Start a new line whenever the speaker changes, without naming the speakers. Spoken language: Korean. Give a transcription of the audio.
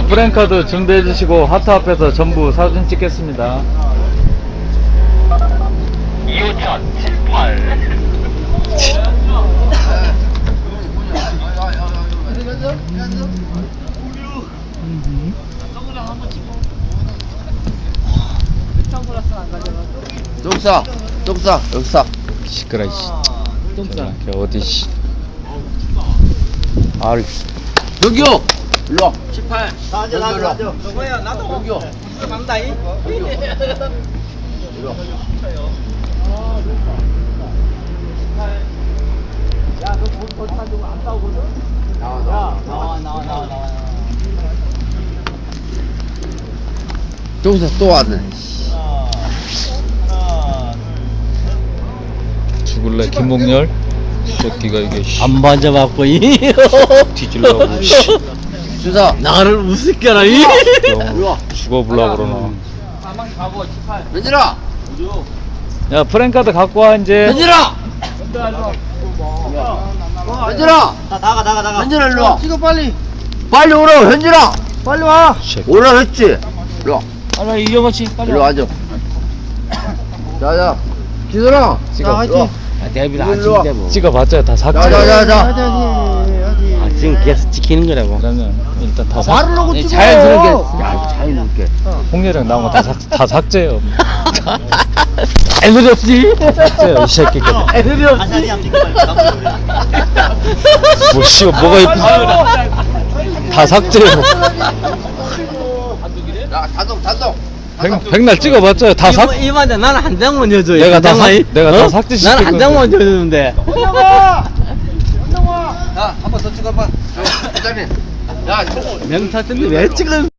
프랭카드 준비해 주시고 하트 앞에서 전부 사진 찍겠습니다.
2호차 78
똥싸 똥싸 여기 싸
시끄러 이씨. 똥싸. 어디 씨. 아이.
여기요 일로와
18.
여기 일로와
누구야? 나도.
여기요
간다이.
일로와
야, 너 거기만 두고 안 싸우거든? 나와.
똥싸 또 왔네
죽을래 김목열. 새끼가 이게 씨.
안 만져봤고,
뒤질라고 씨.
주사
나를 우습게라, 이.
일로와
죽어보려고 그러나.
현진아
야 프랭카드 갖고 와 이제.
현진아 현진아
나가.
현진아 일로와
찍어, 빨리.
빨리 오라 현진아
빨리 와.
새끼.
오라 했지 일로와
빨리 이겨같이 빨리
일로 앉아 자자 기선아
찍어.
일로와.
대비를
안 찍는데 뭐.
찍어봤자 다 삭제.
자자자자
지금 계속 지키는 거라고.
그러면 일단 다
말을
삭.
하고 찍어
자연스럽게.
야 자연스럽게
홍렬이랑 나온 거 다 삭제요.
애들이 없지?
삭제요 이 새끼들.
애들이 없지?
뭐 씨가 뭐가 이쁘지? 다 삭제요.
야 단독
백날 찍어봤자 다 삭.
이만데 나는 한 장만 여줘.
내가 다 삭제시킬
나는 한
건데.
장만 여주는데.
야 한 번 더 찍어봐 기다려 야
명타 뜬데 왜 찍은?